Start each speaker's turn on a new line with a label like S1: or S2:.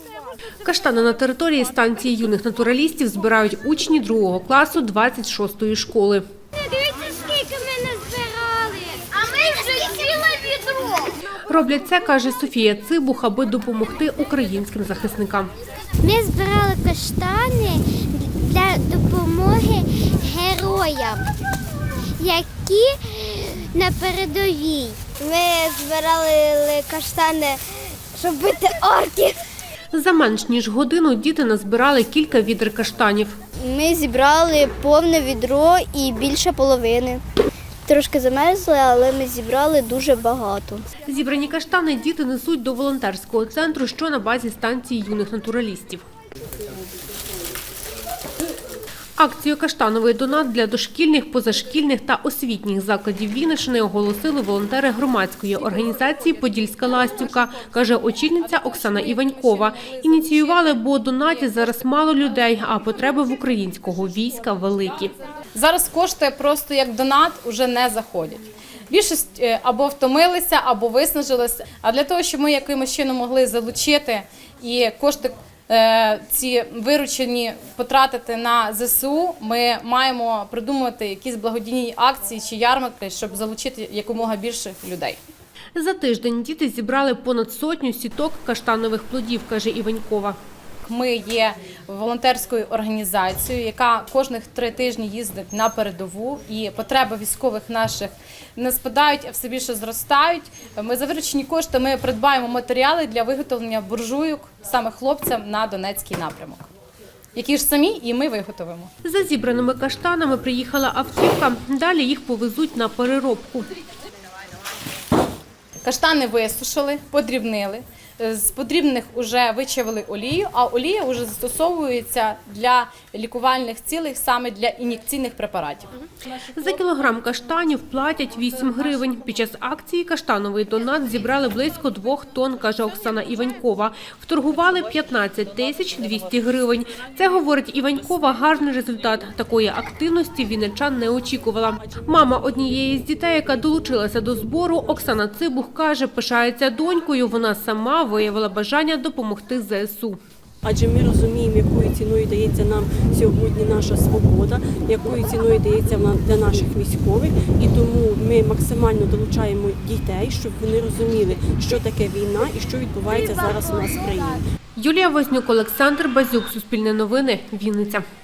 S1: Каштани на території станції юних натуралістів збирають учні 2 класу 26-ї школи.
S2: Дивіться, скільки ми назбирали. А ми вже ціле відро.
S1: Роблять це, каже Софія Цибух, аби допомогти українським захисникам.
S2: Ми збирали каштани для допомоги героям, які на передовій. Ми збирали каштани, щоб бити орків.
S1: За менш ніж годину діти назбирали кілька відер каштанів.
S2: Ми зібрали повне відро і більше половини. Трошки замерзли, але ми зібрали дуже багато.
S1: Зібрані каштани діти несуть до волонтерського центру, що на базі станції юних натуралістів. Акцію «Каштановий донат» для дошкільних, позашкільних та освітніх закладів Вінниччини оголосили волонтери громадської організації «Подільська ластівка», каже очільниця Оксана Іванькова. Ініціювали, бо донатів зараз мало людей, а потреби в українського війська великі.
S3: Зараз кошти просто як донат вже не заходять. Більшість або втомилися, або виснажилися. А для того, щоб ми якимось чином могли залучити і кошти ці виручені потратити на ЗСУ, ми маємо придумати якісь благодійні акції чи ярмарки, щоб залучити якомога більше людей.
S1: За тиждень діти зібрали понад 100 сіток каштанових плодів, каже Іванькова.
S3: Ми є волонтерською організацією, яка кожних 3 тижні їздить на передову, і потреби військових наших не спадають, а все більше зростають. Ми за виручені кошти ми придбаємо матеріали для виготовлення буржуйок саме хлопцям на Донецький напрямок, які ж самі і ми виготовимо.
S1: За зібраними каштанами приїхала автівка, далі їх повезуть на переробку.
S3: Каштани висушили, подрібнили. З подрібних вже вичавили олію, а олія вже застосовується для лікувальних цілей, саме для ін'єкційних препаратів.
S1: За кілограм каштанів платять 8 гривень. Під час акції «Каштановий донат» зібрали близько 2 тонн, каже Оксана Іванькова. Вторгували 15 200 гривень. Це, говорить Іванькова, гарний результат. Такої активності вінничан не очікувала. Мама однієї з дітей, яка долучилася до збору, Оксана Цибух, каже, пишається донькою. Вона сама виявила бажання допомогти ЗСУ.
S4: Адже ми розуміємо, якою ціною дається нам сьогодні наша свобода, якою ціною дається для наших військових. І тому ми максимально долучаємо дітей, щоб вони розуміли, що таке війна і що відбувається зараз у нас в країні.
S1: Юлія Вознюк, Олександр Базюк, Суспільне новини, Вінниця.